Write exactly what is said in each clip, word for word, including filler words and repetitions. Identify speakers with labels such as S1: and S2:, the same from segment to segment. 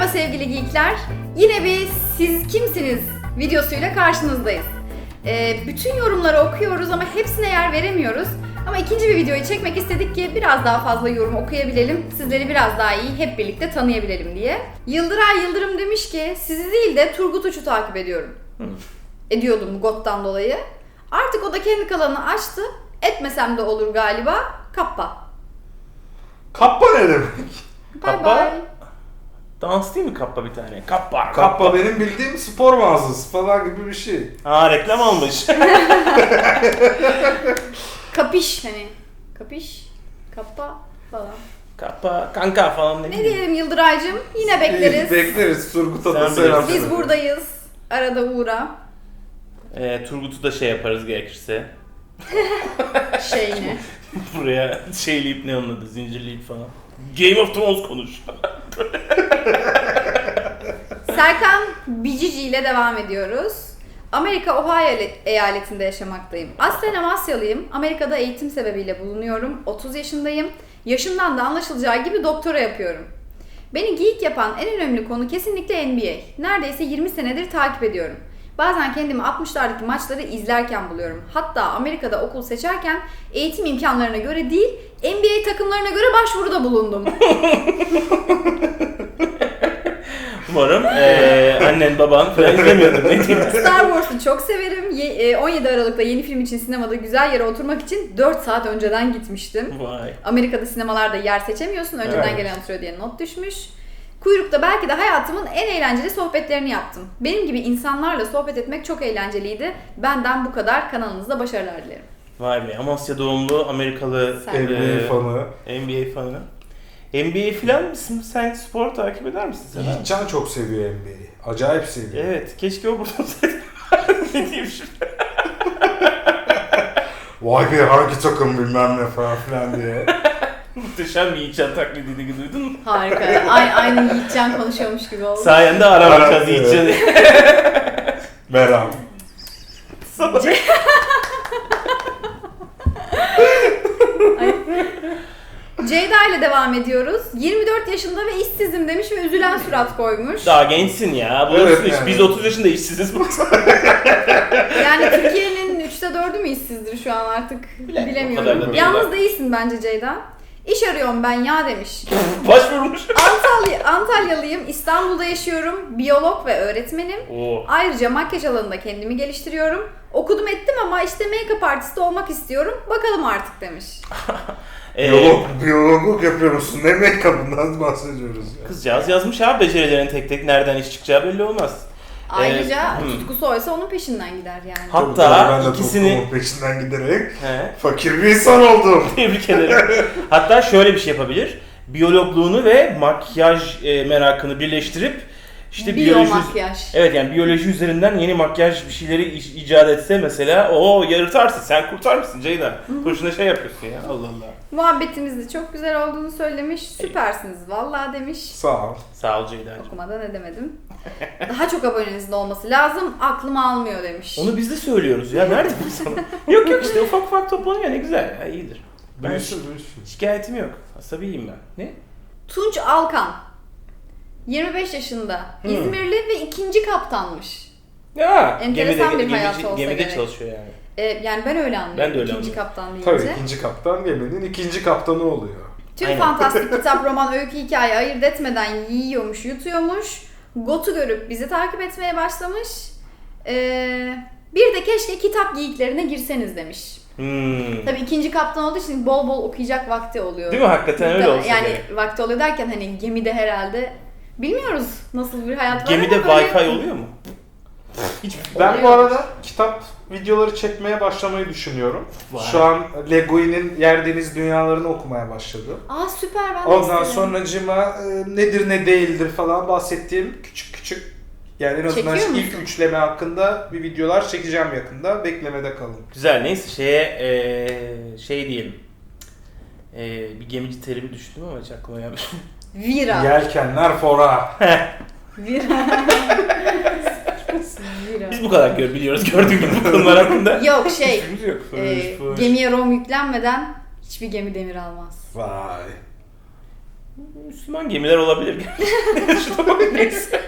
S1: sevgili geekler. Yine bir siz kimsiniz videosuyla karşınızdayız. Ee, bütün yorumları okuyoruz ama hepsine yer veremiyoruz. Ama ikinci bir videoyu çekmek istedik ki biraz daha fazla yorum okuyabilelim, sizleri biraz daha iyi hep birlikte tanıyabilelim diye. Yıldıray Yıldırım demiş ki, sizi değil de Turgut Uç'u takip ediyorum. Hmm. Ediyordum Got'tan dolayı. Artık o da kendi kanalını açtı. Etmesem de olur galiba. Kappa.
S2: Kappa ne demek?
S3: Kappa?
S1: Bye bye.
S3: Dans değil mi kappa bir tane? Kappa, kappa.
S2: Kappa benim bildiğim spor mağazası falan gibi bir şey.
S3: Aa, reklam almış.
S1: Kapiş hani. Kapiş. Kappa falan.
S3: Kappa, kanka falan ne
S1: Ne diyelim Yıldıray'cığım? Yine bekleriz.
S2: Bekleriz. Turgut'a da
S3: Sen
S2: selam.
S3: bilirsin.
S1: Biz buradayız. Arada uğra.
S3: Ee, Turgut'u da şey yaparız gerekirse.
S1: Şey ne?
S3: Buraya şeyleyip ne onun adı, zincirleyip falan. Game of Thrones konuş.
S1: Serkan Bicici ile devam ediyoruz. Amerika Ohio eyaletinde yaşamaktayım. Aslen Amasyalıyım. Amerika'da eğitim sebebiyle bulunuyorum. otuz yaşındayım. Yaşımdan da anlaşılacağı gibi doktora yapıyorum. Beni geek yapan en önemli konu kesinlikle N B A. Neredeyse yirmi senedir takip ediyorum. Bazen kendimi altmışlardaki maçları izlerken buluyorum. Hatta Amerika'da okul seçerken eğitim imkanlarına göre değil, N B A takımlarına göre başvuruda bulundum.
S3: Umarım ee, annen baban falan izlemiyordur, ne diyeyim.
S1: Star Wars'u çok severim. Ye- on yedi Aralık'ta yeni film için sinemada güzel yere oturmak için dört saat önceden gitmiştim.
S3: Vay.
S1: Amerika'da sinemalarda yer seçemiyorsun. Önceden
S2: Evet.
S1: gelen oturuyor diye not düşmüş. Kuyrukta belki de hayatımın en eğlenceli sohbetlerini yaptım. Benim gibi insanlarla sohbet etmek çok eğlenceliydi. Benden bu kadar. Kanalınızda başarılar dilerim.
S3: Vay be, Amasya doğumlu Amerikalı
S1: Sen.
S2: N B A fanı.
S3: N B A fanı. N B A filan mısın? Sen spor takip eder misin sen?
S2: Yiğitcan çok seviyor N B A'yi. Acayip seviyor.
S3: Evet, keşke o burada olsaydı. Ne diyeyim şimdi?
S2: Vay be hangi takım bilmem ne falan filan diye.
S3: Muhteşem bir Yiğitcan taklidiydi, duydun mu?
S1: Harika. Aynı, aynı Yiğitcan konuşuyormuş gibi oldu.
S3: Sayende aramayacağız
S2: Evet,
S3: Yiğitcan'ı.
S2: Merhaba.
S1: Ceyda ile devam ediyoruz. yirmi dört yaşında ve işsizim demiş ve üzülen surat koymuş.
S3: Daha gençsin ya.
S2: Evet
S3: Bulursun iş.
S2: yani.
S3: Biz otuz yaşında işsiziz.
S1: Yani Türkiye'nin üçte dördü mü işsizdir şu an artık
S3: Bilen, o kadar da
S1: bilemiyorum.
S3: değil
S1: Yalnız
S3: bak.
S1: değilsin bence Ceyda. İş arıyorum ben ya demiş.
S3: Başvurmuş.
S1: Antalya, Antalyalıyım, İstanbul'da yaşıyorum, biyolog ve öğretmenim.
S3: Oo.
S1: Ayrıca makyaj alanında kendimi geliştiriyorum. Okudum ettim ama işte make-up artisti olmak istiyorum. Bakalım artık demiş.
S3: Ee,
S2: Biyolog, biyologluk yapıyor musun? Ne make-up'ından bahsediyoruz ya.
S3: Kızcağız yazmış abi, becerilerin tek tek nereden iş çıkacağı belli olmaz.
S1: Ayrıca
S3: Ee, hmm.
S1: tutkusu oysa onun peşinden gider yani.
S3: Ha-
S2: Tabii tabii, ben de
S3: ikisini-
S2: tutkumun peşinden giderek
S3: He.
S2: fakir bir insan oldum.
S3: Tebrik ederim. Hatta şöyle bir şey yapabilir. Biyologluğunu ve makyaj e, merakını birleştirip işte biyoloji...
S1: Biyomakyaj.
S3: Evet, yani biyoloji üzerinden yeni makyaj bir şeyleri ic- icat etse mesela, o yarıtarsın, sen kurtar mısın Ceyda? Boşuna şey yapıyorsun ya, Allah Allah.
S1: Muhabbetimiz de çok güzel olduğunu söylemiş. Süpersiniz vallahi demiş.
S2: Sağ ol.
S3: Sağ ol Ceyda'cığım.
S1: Okumadan edemedim. Daha çok abonenizin olması lazım. Aklım almıyor demiş.
S3: Onu biz de söylüyoruz ya, nerede bu sana? Yok yok, işte ufak ufak toplanıyor, ne güzel ya, iyidir. Ben
S2: Büyüsün büyüsün.
S3: şikayetim yok, asabiyim ben. Ne?
S1: Tunç Alkan. yirmi beş yaşında.
S3: Hmm.
S1: İzmirli ve ikinci kaptanmış.
S3: Ya,
S1: Enteresan
S3: gemide,
S1: bir hayatı
S3: gemici-
S1: olsa
S3: Gemide
S1: gerek.
S3: çalışıyor yani.
S1: Ee, yani ben öyle anlıyorum.
S3: Ben de öyle
S1: ikinci
S3: anlıyorum.
S1: kaptan deyince.
S2: Tabii ikinci kaptan geminin ikinci kaptanı oluyor.
S1: Tüm
S3: Aynen.
S1: fantastik kitap, roman, öykü, hikaye ayırt etmeden yiyormuş, yutuyormuş. Got'u görüp bizi takip etmeye başlamış. Ee, bir de keşke kitap geyiklerine girseniz demiş.
S3: Hmm.
S1: Tabii ikinci kaptan olduğu için bol bol okuyacak vakti oluyor.
S3: Değil mi? Hakikaten öyle olsa
S1: Yani
S3: gerek.
S1: vakti oluyor derken hani gemide herhalde bilmiyoruz nasıl bir hayat var
S3: Gemide
S1: ama böyle-
S3: Wi-Fi oluyor mu? Hiç
S2: Ben bu
S1: Oluyor.
S2: arada kitap videoları çekmeye başlamayı düşünüyorum.
S3: Vay.
S2: Şu an Leguin'in Yer Deniz Dünyalarını okumaya başladım.
S1: Aa süper, ben de
S2: Ondan
S1: isterim.
S2: sonracığıma e, nedir ne değildir falan bahsettiğim küçük küçük, yani en azından
S1: Çekiyor
S2: ilk
S1: musun?
S2: üçleme hakkında bir videolar çekeceğim yakında. Beklemede kalın.
S3: Güzel, neyse şeye eee şey diyelim. Eee bir gemici terimi düşündüm ama hiç aklıma gelmedi.
S1: Vira.
S2: Yelkenler fora.
S1: Vira. Vira.
S3: Biz bu kadar gör, biliyoruz gördüğün gibi bu konular hakkında.
S1: Yok şey,
S3: Fikrimiz yok.
S1: e,
S3: Fış, fış.
S1: gemiye rom yüklenmeden hiçbir gemi demir almaz.
S2: Vay.
S3: Müslüman gemiler olabilir. Şuna bak, neyse.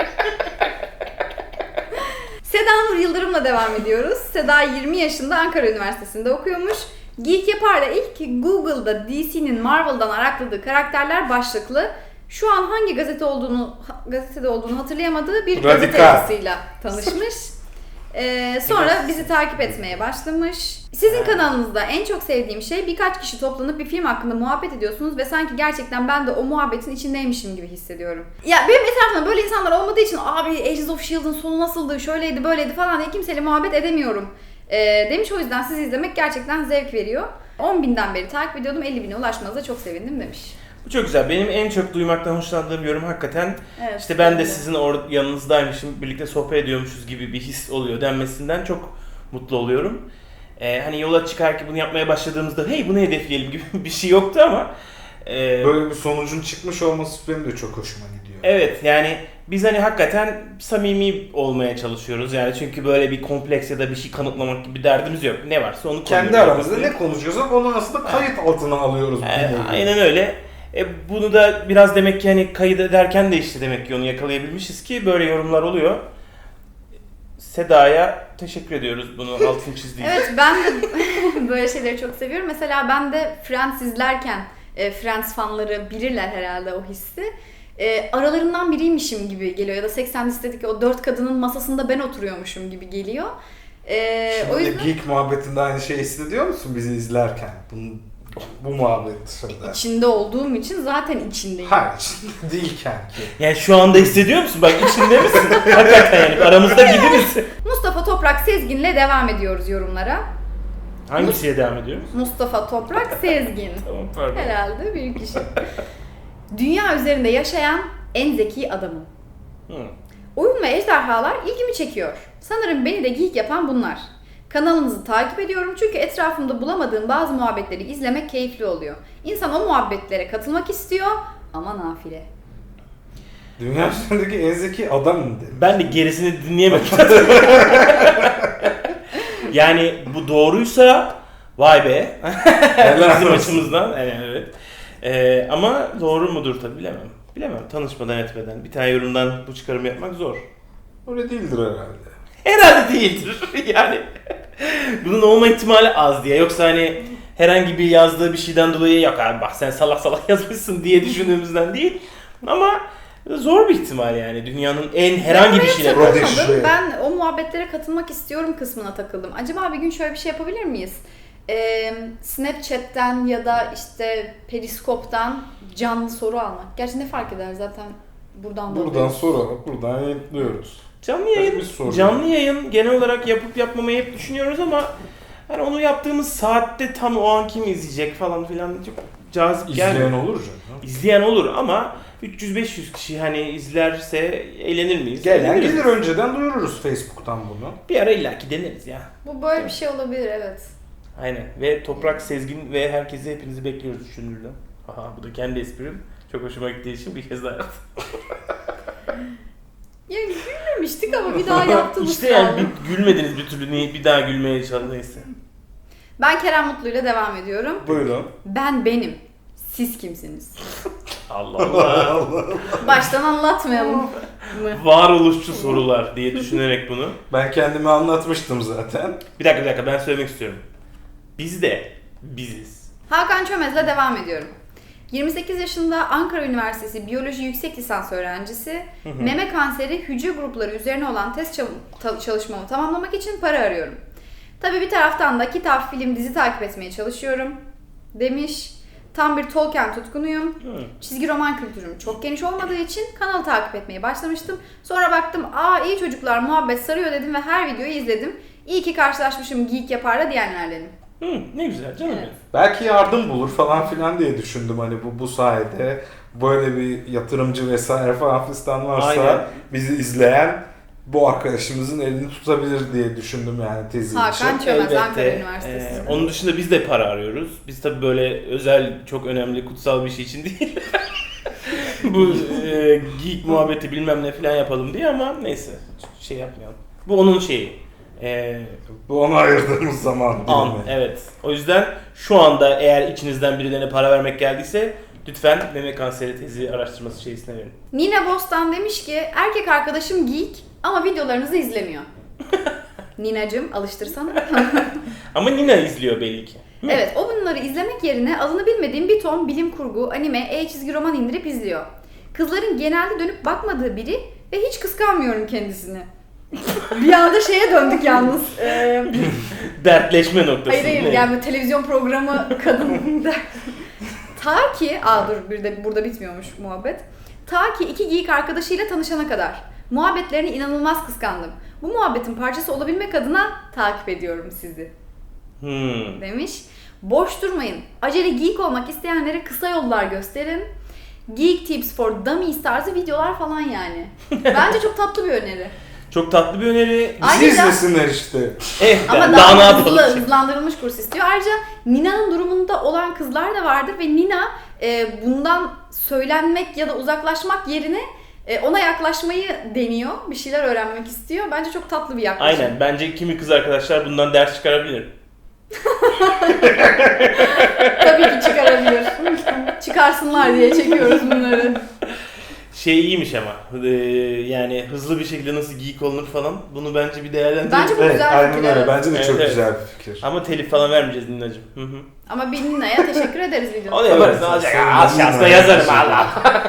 S1: Seda Nur Yıldırım'la devam ediyoruz. Seda yirmi yaşında, Ankara Üniversitesi'nde okuyormuş. Geek Yapar'da ilk Google'da D C'nin Marvel'dan arakladığı karakterler başlıklı, şu an hangi gazete olduğunu gazetede olduğunu hatırlayamadığı bir
S2: Radikal.
S1: gazete yazısıyla tanışmış. Ee, sonra bizi takip etmeye başlamış. Sizin kanalınızda en çok sevdiğim şey, birkaç kişi toplanıp bir film hakkında muhabbet ediyorsunuz ve sanki gerçekten ben de o muhabbetin içindeymişim gibi hissediyorum. Ya benim etrafımda böyle insanlar olmadığı için abi Agents of Shield'ın sonu nasıldı, şöyleydi, böyleydi falan diye kimseyle muhabbet edemiyorum ee, demiş. O yüzden sizi izlemek gerçekten zevk veriyor. on binden beri takip ediyordum, elli bine ulaşmanıza çok sevindim demiş.
S3: Bu çok güzel. Benim en çok duymaktan hoşlandığım yorum hakikaten
S1: Evet,
S3: işte ben de
S1: öyle.
S3: sizin or- yanınızdaymışım, birlikte sohbet ediyormuşuz gibi bir his oluyor denmesinden çok mutlu oluyorum. Ee, hani yola çıkarken bunu yapmaya başladığımızda hey bunu hedefleyelim gibi bir şey yoktu ama e,
S2: Böyle bir sonucun çıkmış olması benim de çok hoşuma gidiyor.
S3: evet yani biz hani hakikaten samimi olmaya çalışıyoruz yani, çünkü böyle bir kompleks ya da bir şey kanıtlamak gibi bir derdimiz yok. Ne varsa onu
S2: Kendi
S3: konuyoruz.
S2: aramızda ne konuşuyorsak onu aslında kayıt altına alıyoruz.
S3: Ee,
S2: bu
S3: aynen öyle. E, bunu da biraz demek ki hani kayıt ederken de işte demek ki onu yakalayabilmişiz ki böyle yorumlar oluyor. Seda'ya teşekkür ediyoruz bunu altını çizdiği için.
S1: Evet, ben de böyle şeyleri çok seviyorum. Mesela ben de Friends izlerken, e, Friends fanları bilirler herhalde o hissi. E, aralarından biriymişim gibi geliyor ya da seksen listedeki o dört kadının masasında ben oturuyormuşum gibi geliyor. E,
S2: Şimdi
S1: o yüzden
S2: Geek muhabbetinde aynı şeyi hissediyor musun bizi izlerken? Bunun, bu muhabbet dışında.
S1: içinde olduğum için zaten içindeyim.
S2: Hayır, içinde değilken ki.
S3: Yani şu anda hissediyor musun? Bak içinde misin? Hakikaten yani aramızda gibi misin?
S1: Mustafa Toprak Sezgin'le devam ediyoruz yorumlara.
S3: Hangisiye devam ediyoruz?
S1: Mustafa Toprak Sezgin.
S3: Tamam pardon.
S1: Herhalde büyük kişi. Dünya üzerinde yaşayan en zeki adamım.
S3: Hı.
S1: Oyun ve ejderhalar ilgimi çekiyor. Sanırım beni de geek yapan bunlar. Kanalınızı takip ediyorum çünkü etrafımda bulamadığım bazı muhabbetleri izlemek keyifli oluyor. İnsan o muhabbetlere katılmak istiyor ama nafile.
S2: Dünya üzerindeki en zeki adamım dedim.
S3: Ben de gerisini dinleyemedim. Yani bu doğruysa vay be.
S2: Helal
S3: Bizim
S2: olsun.
S3: açımızdan. Yani evet. Ee, ama doğru mudur tabii bilemem. Bilemem. Tanışmadan etmeden bir tane yorumdan bu çıkarımı yapmak zor.
S2: Öyle değildir herhalde.
S3: Herhalde değildir. Yani bunun olma ihtimali az diye. Yoksa hani herhangi bir yazdığı bir şeyden dolayı yok abi bak sen salak salak yazmışsın diye düşündüğümüzden değil. Ama zor bir ihtimal yani. Dünyanın en herhangi bir şeyle.
S2: Rodi-
S1: Takılmadım.
S2: Prodigy.
S1: Ben o muhabbetlere katılmak istiyorum kısmına takıldım. Acaba bir gün şöyle bir şey yapabilir miyiz? Ee, Snapchat'ten ya da işte Periskop'tan canlı soru almak. Gerçi ne fark eder zaten buradan da
S2: Buradan
S1: alıyoruz.
S2: soru alıp buradan yayınlıyoruz.
S3: Canlı yayın,
S2: Bir soru.
S3: canlı yayın genel olarak yapıp yapmamayı hep düşünüyoruz ama hani onu yaptığımız saatte tam o an kim izleyecek falan filan çok cazip
S2: İzleyen
S3: gelmiyor.
S2: olur canım.
S3: İzleyen olur ama üç yüz beş yüz kişi hani izlerse eğlenir miyiz?
S2: Gelen
S3: Eğleniriz.
S2: gelir, önceden duyururuz Facebook'tan bunu.
S3: Bir ara illaki deneriz ya.
S1: Bu böyle bir şey olabilir, evet.
S3: Aynen. Ve Toprak Sezgin ve herkesi hepinizi bekliyoruz düşünürler. Aha bu da kendi esprim. Çok hoşuma gittiği için bir kez daha yaptım.
S1: Ya gülmemiştik ama bir daha yaptığımız
S3: İşte yani
S1: kaldı.
S3: bir, gülmediniz bir türlü niye bir daha gülmeye çalışın neyse.
S1: Ben Kerem Mutlu ile devam ediyorum.
S2: Buyurun.
S1: Ben benim. Siz kimsiniz?
S3: Allah Allah.
S1: Baştan anlatmayalım mı?
S3: Varoluşçu sorular diye düşünerek bunu.
S2: Ben kendimi anlatmıştım zaten.
S3: Bir dakika bir dakika ben söylemek istiyorum. Biz de biziz.
S1: Hakan Çömez'le devam ediyorum. yirmi sekiz yaşında Ankara Üniversitesi Biyoloji Yüksek Lisans öğrencisi,
S3: hı.
S1: meme kanseri hücre grupları üzerine olan test çal- ta- çalışmamı tamamlamak için para arıyorum. Tabii bir taraftan da kitap, film, dizi takip etmeye çalışıyorum demiş. Tam bir Tolkien tutkunuyum.
S3: Hı.
S1: Çizgi roman kültürüm çok geniş olmadığı için kanalı takip etmeye başlamıştım. Sonra baktım, aa iyi çocuklar muhabbet sarıyor dedim ve her videoyu izledim. İyi ki karşılaşmışım Geek Yapar'la diyenlerdenim.
S3: Hı, ne güzel canım
S1: Evet.
S3: benim.
S2: Belki yardım bulur falan filan diye düşündüm hani bu bu sayede böyle bir yatırımcı vesaire falan fistan varsa
S3: Aynen.
S2: bizi izleyen bu arkadaşımızın elini tutabilir diye düşündüm yani tezi
S1: Hakan
S2: için.
S1: Çömez,
S3: Elbette.
S1: Ankara Üniversitesi.
S3: Ee, onun dışında biz de para arıyoruz. Biz tabii böyle özel, çok önemli, kutsal bir şey için değil. Bu e, geek muhabbeti bilmem ne falan yapalım diye ama neyse şey yapmayalım. Bu onun şeyi. Ee,
S2: Bu ona ayırdığımız zaman
S3: an,
S2: dilimi.
S3: evet. O yüzden şu anda eğer içinizden birilerine para vermek geldiyse Lütfen meme kanseri tezi araştırması şeysine verin.
S1: Nina Bostan demiş ki erkek arkadaşım geek ama videolarınızı izlemiyor. Ninacığım alıştırsana.
S3: Ama Nina izliyor belli ki.
S1: Evet, o bunları izlemek yerine adını bilmediğim bir ton bilim kurgu, anime, e-çizgi roman indirip izliyor. Kızların genelde dönüp bakmadığı biri ve hiç kıskanmıyorum kendisini. Bir anda şeye döndük yalnız. Ee,
S3: Dertleşme noktası.
S1: hayır hayır, yani böyle televizyon programı kadın der. Ta ki, aa dur bir de burada bitmiyormuş muhabbet. Ta ki iki geek arkadaşıyla tanışana kadar. Muhabbetlerini inanılmaz kıskandım. Bu muhabbetin parçası olabilmek adına takip ediyorum sizi.
S3: Hmm.
S1: Demiş. Boş durmayın. Acele geek olmak isteyenlere kısa yollar gösterin. Geek tips for dummies tarzı videolar falan yani. Bence çok tatlı bir öneri.
S3: Çok tatlı bir öneri.
S1: Ay-
S2: Bizi
S1: Ayrıca-
S2: izlesinler işte.
S3: Eh,
S1: Ama
S3: daha,
S1: daha,
S3: ne
S1: hızlı,
S3: yapalım?
S1: hızlandırılmış kurs istiyor. Ayrıca Nina'nın durumunda olan kızlar da vardır ve Nina e, bundan söylenmek ya da uzaklaşmak yerine e, ona yaklaşmayı deniyor. Bir şeyler öğrenmek istiyor. Bence çok tatlı bir yaklaşım.
S3: Aynen. Bence kimi kız arkadaşlar bundan ders çıkarabilir.
S1: Tabii ki çıkarabilir. Çıkarsınlar diye çekiyoruz bunları.
S3: Şey iyiymiş ama. Ee, yani hızlı bir şekilde nasıl geek olunur falan. Bunu bence bir değerlendirelim.
S1: Bence bu
S2: Evet,
S1: güzel
S2: aynen
S1: fikir,
S2: öyle.
S1: evet.
S2: Bence de
S3: Evet,
S2: çok
S3: evet.
S2: güzel bir fikir.
S3: Ama telif falan vermeyeceğiz Ninacığım. Hı hı.
S1: Ama bir Nina'ya teşekkür ederiz videoda.
S3: Onu yaparız. Ne
S2: Evet,
S3: olacak?
S2: sonra
S3: Az şansla
S2: Nina'ya
S3: yazarım
S2: teşekkür
S3: Allah.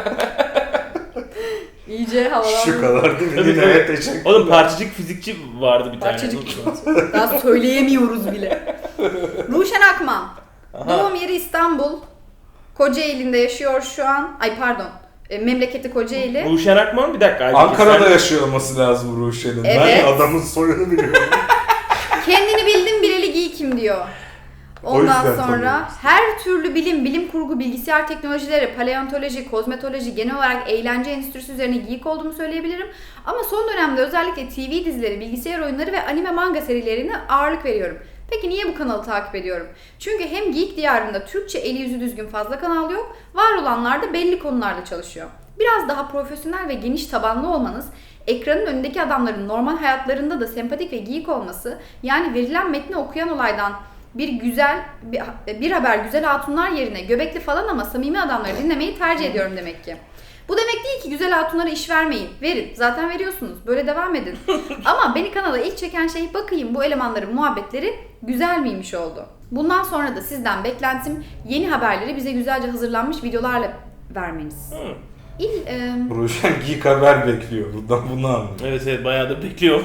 S1: İyice havalandı.
S2: Şu kadar değil mi?
S3: Tabii,
S2: Yine
S3: tabii.
S2: evet, teşekkürler.
S3: Oğlum parçacık fizikçi vardı bir tane.
S1: Parçacık. Daha söyleyemiyoruz bile. Ruşen Akman.
S3: Aha.
S1: Doğum yeri İstanbul. Kocaeli'nde yaşıyor şu an. Ay pardon. E, memleketi Kocaeli.
S3: Ruşen Akman bir dakika.
S2: Ankara'da
S3: Sen-
S2: yaşıyor olması lazım Ruşen'in.
S1: Evet.
S2: Ben adamın soyunu biliyorum.
S1: Kendini bildim bileli geekim diyor.
S2: O
S1: Ondan
S2: yüzden
S1: sonra
S2: tanıyoruz.
S1: her türlü bilim, bilim kurgu, bilgisayar teknolojileri, paleontoloji, kozmetoloji, genel olarak eğlence endüstrisi üzerine geek olduğumu söyleyebilirim. Ama son dönemde özellikle T V dizileri, bilgisayar oyunları ve anime manga serilerine ağırlık veriyorum. Peki niye bu kanalı takip ediyorum? Çünkü hem Geek Diyarı'nda Türkçe eli yüzü düzgün fazla kanal yok, var olanlar da belli konularda çalışıyor. Biraz daha profesyonel ve geniş tabanlı olmanız, ekranın önündeki adamların normal hayatlarında da sempatik ve geek olması, yani verilen metni okuyan olaydan bir güzel bir, bir haber güzel hatunlar yerine göbekli falan ama samimi adamları dinlemeyi tercih ediyorum demek ki. Bu demek değil ki güzel hatunlara iş vermeyin. Verin. Zaten veriyorsunuz. Böyle devam edin. Ama beni kanala ilk çeken şey bakayım bu elemanların muhabbetleri güzel miymiş oldu. Bundan sonra da sizden beklentim yeni haberleri bize güzelce hazırlanmış videolarla vermeniz.
S3: Hı.
S1: İl, e,
S2: Ruşen geek haber bekliyor. Buradan bunu anlıyorum.
S3: Evet evet bayağı da bekliyor.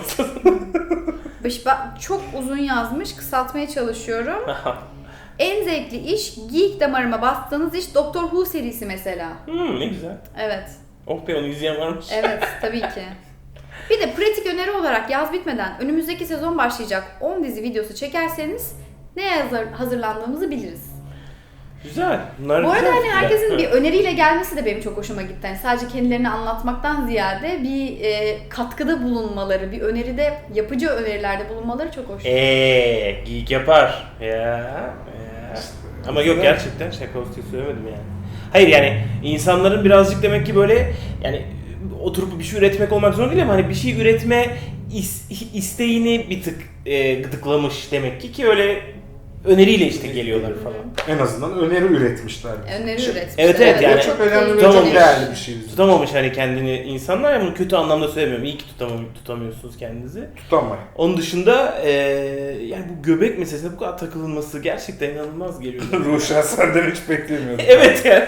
S1: beş- ba- çok uzun yazmış. Kısaltmaya çalışıyorum. En zevkli iş geek damarıma bastığınız iş Doctor Who serisi mesela.
S3: Hmm, ne güzel.
S1: Evet.
S3: Oh be onu izleyen varmış.
S1: Evet, tabii ki. Bir de pratik öneri olarak yaz bitmeden önümüzdeki sezon başlayacak on dizi videosu çekerseniz neye hazır, hazırlandığımızı biliriz.
S3: Güzel. Bunlar
S1: Bu arada
S3: güzel
S1: hani
S3: fikirler.
S1: herkesin
S3: Evet.
S1: bir öneriyle gelmesi de benim çok hoşuma gitti. Yani sadece kendilerini anlatmaktan ziyade bir e, katkıda bulunmaları, bir öneride, yapıcı önerilerde bulunmaları çok hoş.
S3: Eee geek yapar. Ya. ya. Ama yok gerçekten şaka olsun diye söylemedim yani. Hayır yani insanların birazcık demek ki böyle yani oturup bir şey üretmek olmak zorunda değil ama hani bir şey üretme is- isteğini bir tık e, gıdıklamış demek ki ki öyle öneriyle işte geliyorlar falan.
S2: En azından öneri üretmişler.
S1: Öneri
S2: Çok-
S1: üretmişler.
S3: Evet, evet, yani
S2: çok önemli ve
S3: Tamam.
S2: çok değerli bir şey.
S3: Tutamamış hani kendini insanlar ya bunu kötü anlamda söylemiyorum. İyi ki tutamam, tutamıyorsunuz kendinizi.
S2: Tutamayın.
S3: Onun dışında e, yani bu göbek meselesine bu kadar takılınması gerçekten inanılmaz geliyor.
S2: Ruşen senden hiç beklemiyordum.
S3: Evet yani.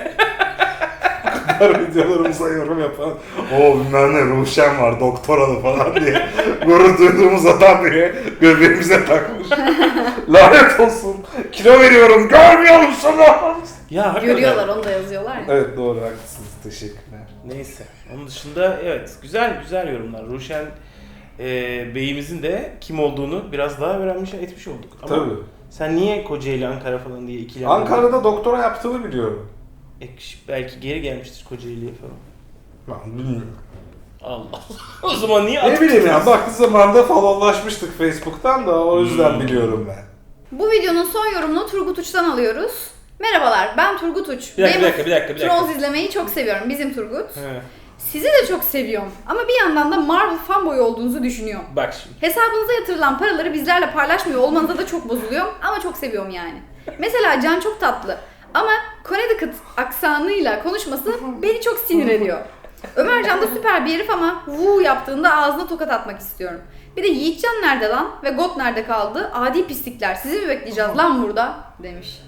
S2: Her videolarımıza yorum yapan o bilmem ne Ruşen var doktoralı falan diye gurur duyduğumuz adam bile göbeğimize takmış. Lanet olsun. Kilo veriyorum. Görmüyor musunuz?
S3: Ya hakikaten.
S1: Görüyorlar, onu da yazıyorlar ya.
S2: Evet doğru haklısınız. Teşekkürler.
S3: Neyse. Onun dışında evet güzel güzel yorumlar. Ruşen e, Bey'imizin de kim olduğunu biraz daha öğrenmiş etmiş olduk. Ama
S2: Tabii.
S3: sen niye Kocaeli Ankara falan diye ikilendin?
S2: Ankara'da doktora yaptığını biliyorum.
S3: E, belki geri gelmiştir Kocaeli'ye falan.
S2: Ben bilmiyorum.
S3: Allah Allah. O zaman niye
S2: Ne
S3: atıp
S2: bileyim ya
S3: tutuyorsun?
S2: baktığı zamanda falanlaşmıştık Facebook'tan da o yüzden
S3: Hmm.
S2: biliyorum ben.
S1: Bu videonun son yorumunu Turgut Uç'tan alıyoruz. Merhabalar, ben Turgut Uç.
S3: Bir dakika, bir
S1: Game
S3: dakika, bir dakika, bir dakika.
S1: Trolls izlemeyi çok seviyorum. Bizim Turgut.
S3: He.
S1: Sizi de çok seviyorum. Ama bir yandan da Marvel fanboy olduğunuzu düşünüyorum.
S3: Bak şimdi.
S1: Hesabınıza yatırılan paraları bizlerle paylaşmıyor olmanıza da çok bozuluyorum. Ama çok seviyorum yani. Mesela Can çok tatlı. Ama Connecticut aksanıyla konuşması beni çok sinir ediyor. Ömercan da süper bir herif ama vuu yaptığında ağzına tokat atmak istiyorum. Bir de Yiğitcan nerede lan ve Got nerede kaldı? Adi pislikler, sizi mi bekleyeceğiz lan burada? Demiş.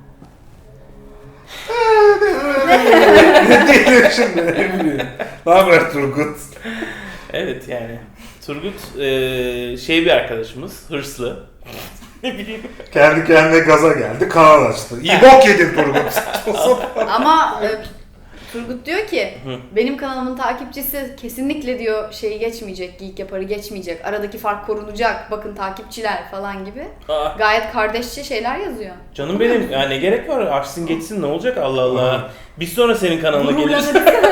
S2: Ne diyeyim şimdi, ne bileyim. Ne haber Turgut?
S3: Evet yani. Turgut eee, şey bir arkadaşımız, hırslı. Ne bileyim.
S2: Kendi kendine gaza geldi, kanal açtı. İyi bok yedin Turgut.
S1: Ama e, Turgut diyor ki
S3: Hı.
S1: benim kanalımın takipçisi kesinlikle diyor şeyi geçmeyecek, Geek Yapar'ı geçmeyecek. Aradaki fark korunacak. Bakın takipçiler falan gibi.
S3: Aa,
S1: Gayet kardeşçe şeyler yazıyor.
S3: canım benim, ya ne gerek var? Açsın geçsin, ne olacak Allah Allah. Biz sonra senin kanalına geliriz.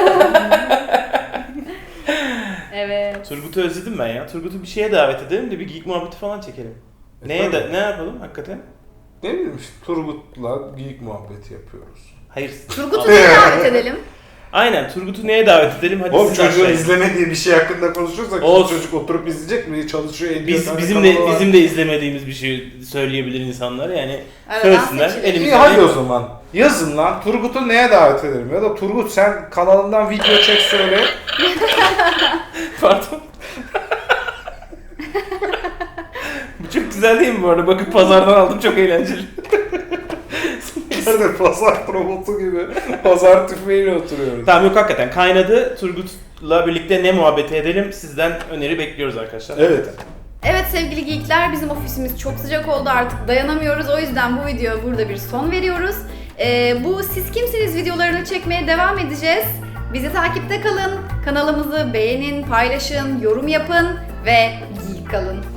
S1: Evet.
S3: Turgut'u özledim ben ya. Turgut'u bir şeye davet edelim de bir geek muhabbeti falan çekelim. Neye da, ne yapalım hakikaten?
S2: Ne bileyim işte Turgut'la geyik muhabbeti yapıyoruz.
S3: Hayır.
S1: Turgut'u neye davet edelim?
S3: Aynen, Turgut'u neye davet edelim? Hadi
S2: Oğlum
S3: siz
S2: çocuğun
S3: başlayın.
S2: izlemediği bir şey hakkında konuşursak
S3: Olsun.
S2: çocuk oturup izleyecek mi? Çalışıyor, ediyor.
S3: Biz
S2: tane
S3: bizim de
S2: kanalı var.
S3: bizim de izlemediğimiz bir şey söyleyebilir insanlar yani.
S1: Aradan
S3: Söylesinler.
S1: seçilir.
S2: İyi
S3: Elimizde
S2: hadi
S3: bir-
S2: o zaman. Yazın lan. Turgut'u neye davet edelim? Ya da Turgut sen kanalından video çek söyle.
S3: Pardon. Bu çok güzel değil mi bu arada? Bakın pazardan aldım, çok eğlenceli.
S2: Nerede pazar promotu gibi pazar tüfeğiyle oturuyoruz.
S3: Tamam yok hakikaten kaynadı. Turgut'la birlikte ne muhabbeti edelim? Sizden öneri bekliyoruz arkadaşlar.
S2: Evet.
S1: Evet sevgili geekler, bizim ofisimiz çok sıcak oldu, artık dayanamıyoruz. O yüzden bu videoya burada bir son veriyoruz. Ee, bu Siz Kimsiniz videolarını çekmeye devam edeceğiz. Bizi takipte kalın, kanalımızı beğenin, paylaşın, yorum yapın ve geek kalın.